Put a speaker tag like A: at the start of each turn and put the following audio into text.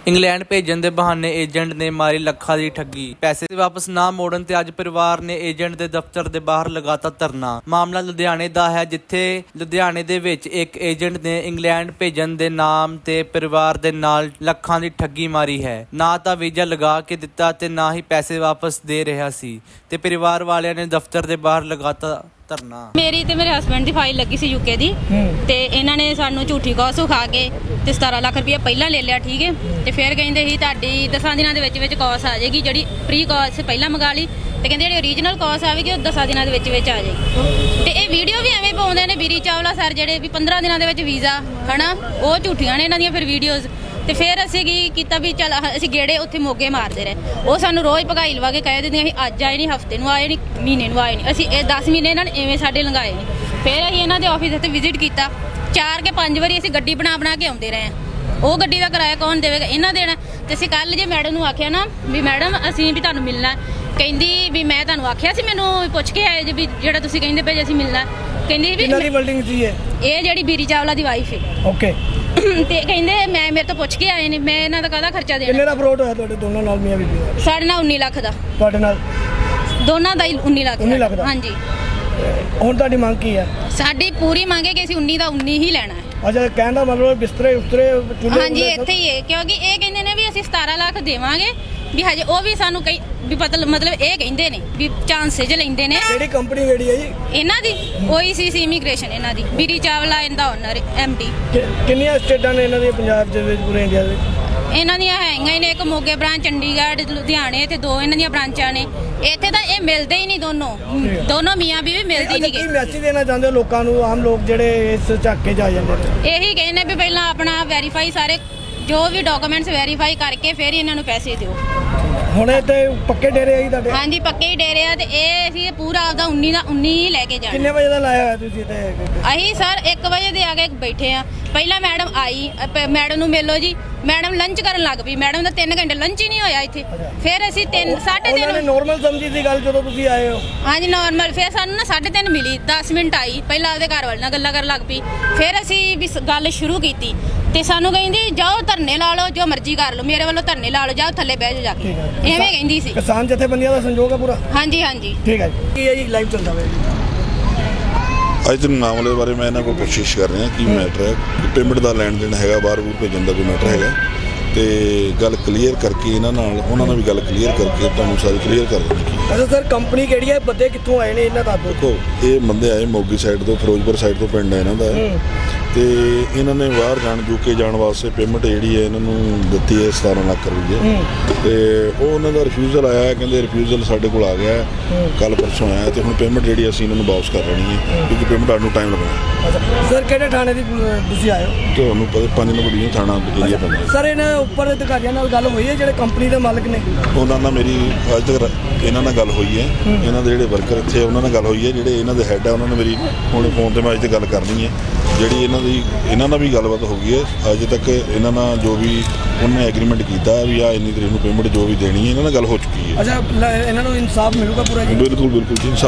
A: England ਭੇਜਣ ਦੇ ਬਹਾਨੇ ਏਜੰਟ ਨੇ ਮਾਰੀ ਲੱਖਾਂ ਦੀ ਠੱਗੀ। ਪੈਸੇ ਵਾਪਸ ਨਾ ਮੋੜਨ ਤੇ ਅੱਜ ਪਰਿਵਾਰ ਨੇ ਏਜੰਟ ਦੇ ਦਫ਼ਤਰ ਦੇ ਬਾਹਰ ਲਗਾਤਾ ਧਰਨਾ। ਮਾਮਲਾ ਲੁਧਿਆਣੇ ਦਾ ਹੈ, ਜਿੱਥੇ ਲੁਧਿਆਣੇ ਦੇ ਵਿੱਚ ਇੱਕ ਏਜੰਟ ਨੇ ਇੰਗਲੈਂਡ ਭੇਜਣ ਦੇ ਨਾਮ ਤੇ ਪਰਿਵਾਰ ਦੇ ਨਾਲ ਲੱਖਾਂ ਦੀ ਠੱਗੀ ਮਾਰੀ ਹੈ। ਨਾ ਤਾਂ ਵੀਜ਼ਾ ਲਗਾ ਕੇ ਦਿੱਤਾ ਤੇ ਨਾ ਹੀ ਪੈਸੇ ਵਾਪਸ ਦੇ ਰਿਹਾ ਸੀ ਤੇ ਪਰਿਵਾਰ ਵਾਲਿਆਂ ਨੇ ਦਫ਼ਤਰ ਦੇ ਬਾਹਰ ਲਗਾਤਾ ਧਰਨਾ।
B: ਮੇਰੀ ਤੇ ਮੇਰੇ ਹਸਬੈਂਡ ਦੀ ਫਾਈਲ ਲੱਗੀ ਸੀ ਯੂਕੇ ਦੀ ਤੇ ਇਹਨਾਂ ਨੇ ਸਾਨੂੰ ਝੂਠੀ ਕੌਸ ਖਾ ਕੇ ਤੇ 17 ਲੱਖ ਰੁਪਏ ਪਹਿਲਾਂ ਲੈ ਲਿਆ, ਠੀਕ ਹੈ। ਤੇ ਫਿਰ ਕਹਿੰਦੇ ਸੀ ਤੁਹਾਡੀ 10 ਦਿਨਾਂ ਦੇ ਵਿੱਚ ਕੌਸ ਆ ਜਾਏਗੀ, ਜਿਹੜੀ ਪ੍ਰੀ ਕੌਸ ਪਹਿਲਾਂ ਮੰਗਾ ਲਈ ਤੇ ਕਹਿੰਦੇ ਜਿਹੜੀ ਓਰੀਜਨਲ ਕੌਸ ਆਵੇਗੀ ਉਹ 10 ਦਿਨਾਂ ਦੇ ਵਿੱਚ ਆ ਜਾਏਗੀ। ਤੇ ਇਹ ਵੀਡੀਓ ਵੀ ਐਵੇਂ ਪਾਉਂਦੇ ਨੇ ਵੀਰੀ ਚਾਵਲਾ ਸਰ, ਜਿਹੜੇ ਵੀ 15 ਦਿਨਾਂ ਦੇ ਵਿੱਚ ਵੀਜ਼ਾ ਹਨਾ, ਉਹ ਝੂਠੀਆਂ ਨੇ ਇਹਨਾਂ ਦੀਆਂ ਫਿਰ ਵੀਡੀਓਜ਼। ਤੇ ਫਿਰ ਅਸੀਂ ਕੀ ਕੀਤਾ ਵੀ ਚੱਲ ਅਸੀਂ ਗੇੜੇ ਉੱਥੇ ਮੋਗੇ ਮਾਰਦੇ ਰਹੇ। ਉਹ ਸਾਨੂੰ ਰੋਜ਼ ਭਗਾਈ ਲਵਾ ਕੇ ਕਹਿ ਦਿੰਦੀਆਂ ਸੀ ਅੱਜ ਆਏ ਨਹੀਂ, ਹਫਤੇ ਨੂੰ ਆਏ ਨਹੀਂ, ਮਹੀਨੇ ਨੂੰ ਆਏ ਨਹੀਂ। ਅਸੀਂ ਇਹ 10 ਮਹੀਨੇ ਇਹਨਾਂ ਨੇ ਐਵੇਂ ਸਾਡੇ ਲੰਘਾਏ ਨੇ। ਫਿਰ ਅਸੀਂ ਇਹਨਾਂ ਦੇ ਆਫਿਸ ਤੇ ਵਿਜ਼ਿਟ ਕੀਤਾ 4 ਕੇ 5 ਵਾਰੀ। ਅਸੀਂ ਗੱਡੀ ਬਣਾ ਕੇ ਆਉਂਦੇ ਰਹੇ ਹਾਂ। ਉਹ ਗੱਡੀ ਦਾ ਕਿਰਾਇਆ ਕੌਣ ਦੇਵੇਗਾ? ਇਹਨਾਂ ਦੇਣਾ। ਤੇ ਅਸੀਂ ਕੱਲ ਜੇ ਮੈਡਮ ਨੂੰ ਆਖਿਆ ਨਾ ਵੀ ਮੈਡਮ ਅਸੀਂ ਵੀ ਤੁਹਾਨੂੰ ਮਿਲਣਾ, ਕਹਿੰਦੀ ਵੀ ਮੈਂ ਤੁਹਾਨੂੰ ਆਖਿਆ ਸੀ, ਮੈਨੂੰ ਪੁੱਛ ਕੇ ਆਏ ਜੀ ਵੀ ਜਿਹੜਾ ਤੁਸੀਂ ਕਹਿੰਦੇ ਪਏ ਅਸੀਂ ਮਿਲਣਾ। ਕਹਿੰਦੀ ਵੀ
C: ਕਿਹੜੀ ਬਿਲਡਿੰਗ ਸੀ ਇਹ
B: ਜਿਹੜੀ ਵੀਰੀ ਚਾਵਲਾ ਦੀ ਵਾਈਫ ਹੈ।
C: ਓਕੇ।
B: ਤੇ ਕਹਿੰਦੇ ਮੇਰੇ ਤੋਂ ਪੁੱਛ ਕੇ ਆਏ ਨੇ, ਮੈਂ ਇਹਨਾਂ ਦਾ ਕਾਹਦਾ ਖਰਚਾ ਦੇਣਾ।
C: ਕਿੰਨੇ ਦਾ ਫਰੋਡ ਹੋਇਆ ਤੁਹਾਡੇ ਦੋਨਾਂ ਨਾਲ, ਮੀਆਂ ਬੀਬੀ ਨਾਲ?
B: ਸਾਡੇ ਨਾਲ 19 ਲੱਖ ਦਾ।
C: ਤੁਹਾਡੇ ਨਾਲ
B: ਦੋਨਾਂ ਦਾ ਹੀ 19 ਲੱਖ।
C: 19 ਲੱਖ ਦਾ?
B: ਹਾਂਜੀ।
C: ਹੁਣ ਤੁਹਾਡੀ ਮੰਗ ਕੀ ਹੈ?
B: ਸਾਡੀ ਪੂਰੀ ਮੰਗ ਹੈ ਕਿ ਅਸੀਂ 19 ਦਾ 19 ਹੀ ਲੈਣਾ ਹੈ।
C: ਅੱਛਾ, ਕਹਿਣ ਦਾ ਮਤਲਬ ਬਿਸਤਰੇ ਉਸਤਰੇ ਚੁੱਲ੍ਹੇ?
B: ਹਾਂਜੀ, ਇੱਥੇ ਹੀ ਹੈ। ਕਿਉਂਕਿ ਇਹ ਕਹਿੰਦੇ ਨੇ ਵੀ ਅਸੀਂ 17 ਲੱਖ ਦੇਵਾਂਗੇ ਵੀ ਹਜੇ ਉਹ ਵੀ ਸਾਨੂੰ ਕਈ ਵੀ ਮਤਲਬ ਇਹ ਕਹਿੰਦੇ ਨੇ ਵੀ ਚਾਂਸੇਜ ਲੈਂਦੇ ਨੇ।
C: ਕਿਹੜੀ ਕੰਪਨੀ ਕਿਹੜੀ ਹੈ ਜੀ
B: ਇਹਨਾਂ ਦੀ? OECC ਇਮੀਗ੍ਰੇਸ਼ਨ ਇਹਨਾਂ ਦੀ। ਵੀਰੀ ਚਾਵਲਾ ਇਹਦਾ ਓਨਰ MD।
C: ਕਿੰਨੀਆਂ ਸਟੇਟਾਂ ਨੇ ਇਹਨਾਂ ਦੀਆਂ ਪੰਜਾਬ ਦੇ ਵਿੱਚ, ਪੂਰੇ ਇੰਡੀਆ ਦੇ ਵਿੱਚ?
B: ਇਹਨਾਂ ਦੀਆਂ ਹੈਗੀਆਂ ਨੇ ਇੱਕ ਮੋਗੇ ਬ੍ਰਾਂਚ, ਚੰਡੀਗੜ੍ਹ, ਲੁਧਿਆਣੇ ਤੇ 2 ਇਹਨਾਂ ਦੀਆਂ ਬ੍ਰਾਂਚਾਂ ਨੇ। ਇੱਥੇ ਤਾਂ ਇਹ ਮਿਲਦੇ ਹੀ ਨਹੀਂ, ਦੋਨੋਂ ਮੀਆਂ ਬੀਵੀ ਮਿਲਦੀ ਨਹੀਂ।
C: ਕੀ ਮੈਸੇਜ ਦੇਣਾ ਚਾਹੁੰਦੇ ਹੋ ਲੋਕਾਂ ਨੂੰ, ਆਮ ਲੋਕ ਜਿਹੜੇ ਇਸ ਝਾਕੇ 'ਚ ਆ ਜਾਂਦੇ ਨੇ?
B: ਇਹੀ ਕਹਿੰਦੇ ਵੀ ਪਹਿਲਾਂ ਆਪਣਾ ਵੈਰੀਫਾਈ, ਸਾਰੇ ਜੋ ਵੀ ਡਾਕੂਮੈਂਟਸ ਵੈਰੀਫਾਈ ਕਰਕੇ ਫਿਰ ਇਹਨਾਂ ਨੂੰ ਪੈਸੇ ਦਿਓ।
C: ਹੁਣ ਇੱਥੇ ਪੱਕੇ ਡੇਰੇ ਆਈ ਤੁਹਾਡੇ?
B: ਹਾਂਜੀ, ਪੱਕੇ ਹੀ ਡੇਰੇ ਆ। ਤੇ ਇਹ ਅਸੀਂ ਪੂਰਾ ਆਪਦਾ 19 ਦਾ 19 ਹੀ ਲੈ ਕੇ ਜਾਣਾ।
C: ਕਿੰਨੇ ਵਜੇ ਦਾ ਲਾਇਆ ਹੋਇਆ ਤੁਸੀਂ ਇੱਥੇ?
B: ਅਸੀਂ ਸਰ 1 ਵਜੇ ਦੇ ਆ ਕੇ ਬੈਠੇ ਆ। ਪਹਿਲਾਂ ਮੈਡਮ ਆਈ, ਮੈਡਮ ਨੂੰ ਮਿਲੋ ਜੀ, ਮੈਡਮ ਲੰਚ ਕਰਨ ਲੱਗ ਪਈ। ਮੈਡਮ ਦਾ 3 ਘੰਟੇ ਲੰਚ ਹੀ ਨਹੀਂ ਹੋਇਆ ਇੱਥੇ। ਫਿਰ ਅਸੀਂ 3:30
C: ਨੋਰਮਲ ਸਮਝੀ ਸੀ ਗੱਲ ਜਦੋਂ ਤੁਸੀਂ ਆਏ ਹੋ?
B: ਹਾਂਜੀ, ਨਾਰਮਲ। ਫਿਰ ਸਾਨੂੰ ਨਾ 3:30 ਮਿਲੀ, 10 ਮਿੰਟ ਆਈ। ਪਹਿਲਾਂ ਆਪਦੇ ਘਰ ਵਾਲੇ ਨਾਲ ਗੱਲਾਂ ਕਰਨ ਲੱਗ ਪਈ। ਫਿਰ ਅਸੀਂ ਵੀ ਗੱਲ ਸ਼ੁਰੂ ਕੀਤੀ ਤੇ ਸਾਨੂੰ ਕਹਿੰਦੀ ਜਾਓ ਧਰਨੇ ਲਾ ਲਓ, ਜੋ ਮਰਜ਼ੀ ਕਰ ਲਓ, ਮੇਰੇ ਵੱਲੋਂ ਧਰਨੇ ਲਾ ਲਓ, ਜਾਓ ਥੱਲੇ ਬਹਿ ਜਾਓ ਜਾ ਕੇ। ਐਵੇਂ ਕਹਿੰਦੀ ਸੀ।
C: ਕਿਸਾਨ ਜਥੇਬੰਦੀਆਂ ਦਾ ਸੰਯੋਗ ਹੈ ਪੂਰਾ?
B: ਹਾਂਜੀ ਹਾਂਜੀ।
C: ਠੀਕ ਹੈ ਜੀ। ਕੀ ਹੈ ਜੀ ਲਾਈਵ ਚੱਲਦਾ ਹੋਇਆ?
D: ਅੱਜ ਦੇ ਮਾਮਲੇ ਬਾਰੇ ਮੈਂ ਇਹਨਾਂ ਕੋਲ ਕੋਸ਼ਿਸ਼ ਕਰ ਰਿਹਾ ਕੀ ਮੈਟਰ ਹੈ, ਪੇਮੈਂਟ ਦਾ ਲੈਣ ਦੇਣ ਹੈਗਾ, ਬਾਹਰ ਬੂਰ ਭੇਜਣ ਦਾ ਕੋਈ ਮੈਟਰ ਹੈਗਾ, ਤੇ ਗੱਲ ਕਲੀਅਰ ਕਰਕੇ ਇਹਨਾਂ ਨਾਲ, ਉਹਨਾਂ ਨਾਲ ਵੀ ਗੱਲ ਕਲੀਅਰ ਕਰਕੇ ਤੁਹਾਨੂੰ ਸਾਰੀ ਕਲੀਅਰ ਕਰ ਦੇਣੀ।
C: ਅੱਛਾ ਸਰ, ਕੰਪਨੀ ਕਿਹੜੀ ਹੈ? ਬੰਦੇ ਕਿੱਥੋਂ ਆਏ ਨੇ ਇਹਨਾਂ ਦਾ?
D: ਦੇਖੋ, ਇਹ ਬੰਦੇ ਆਏ ਮੋਗੀ ਸਾਈਡ ਤੋਂ, ਫਿਰੋਜ਼ਪੁਰ ਸਾਈਡ ਤੋਂ ਪਿੰਡ ਹੈ ਇਹਨਾਂ ਦਾ, ਤੇ ਇਹਨਾਂ ਨੇ ਬਾਹਰ ਯੂਕੇ ਜਾਣ ਵਾਸਤੇ ਪੇਮੈਂਟ ਜਿਹੜੀ ਹੈ ਇਹਨਾਂ ਨੂੰ ਦਿੱਤੀ ਹੈ 17 ਲੱਖ ਰੁਪਏ। ਤੇ ਉਹ ਉਹਨਾਂ ਦਾ ਰਿਫਿਊਜ਼ਲ ਆਇਆ, ਕਹਿੰਦੇ ਰਿਫਿਊਜ਼ਲ ਸਾਡੇ ਕੋਲ ਆ ਗਿਆ ਕੱਲ ਪਰਸੋਂ ਆਇਆ, ਤੇ ਹੁਣ ਪੇਮੈਂਟ ਜਿਹੜੀ ਅਸੀਂ ਇਹਨਾਂ ਨੂੰ ਵਾਪਸ ਕਰ ਲੈਣੀ ਹੈ ਕਿਉਂਕਿ ਪੇਮੈਂਟ ਆਉਣ ਨੂੰ ਟਾਈਮ ਲੱਗਣਾ।
C: ਅੱਛਾ ਸਰ, ਕਿਹੜੇ ਥਾਣੇ ਦੀ ਤੁਸੀਂ ਆਏ ਹੋ?
D: ਤੁਹਾਨੂੰ ਪਤਾ 5 ਨੰਬਰ ਦੀ ਥਾਣਾ ਏਰੀਆ ਪੈਂਦਾ।
C: ਸਰ, ਇਹਨਾਂ ਉੱਪਰ ਅਧਿਕਾਰੀਆਂ ਨਾਲ ਗੱਲ ਹੋਈ ਹੈ ਜਿਹੜੇ ਕੰਪਨੀ ਦੇ ਮਾਲਕ ਨੇ?
D: ਉਹਨਾਂ ਨਾਲ ਮੇਰੀ ਅੱਜ ਤੱਕ ਇਹਨਾਂ ਨਾਲ ਗੱਲ ਹੋਈ ਹੈ, ਇਹਨਾਂ ਦੇ ਜਿਹੜੇ ਵਰਕਰ ਇੱਥੇ ਉਹਨਾਂ ਨਾਲ ਗੱਲ ਹੋਈ ਹੈ, ਜਿਹੜੇ ਇਹਨਾਂ ਦੇ ਹੈੱਡ ਹੈ ਉਹਨਾਂ ਨੇ ਮੇਰੀ ਹੁਣ ਫੋਨ 'ਤੇ ਮੈਂ ਅੱਜ ਤੇ ਗੱਲ ਕਰਨੀ ਹੈ। ਜਿਹੜੀ ਇਹਨਾਂ ਨਾਲ ਵੀ ਗੱਲਬਾਤ ਹੋ ਗਈ ਹੈ। ਅੱਜ ਤੱਕ ਇਹਨਾਂ ਨਾਲ ਜੋ ਵੀ ਉਹਨੇ ਐਗਰੀਮੈਂਟ ਕੀਤਾ ਵੀ ਆ ਇੰਨੀ ਤਰੀਕ ਨੂੰ ਪੇਮੈਂਟ ਜੋ ਵੀ ਦੇਣੀ ਹੈ, ਇਹਨਾਂ ਨਾਲ ਗੱਲ ਹੋ ਚੁੱਕੀ ਹੈ।
C: ਅੱਛਾ, ਇਹਨਾਂ ਨੂੰ ਇਨਸਾਫ ਮਿਲੂਗਾ ਪੂਰਾ ਜੀ?
D: ਬਿਲਕੁਲ ਜੀ।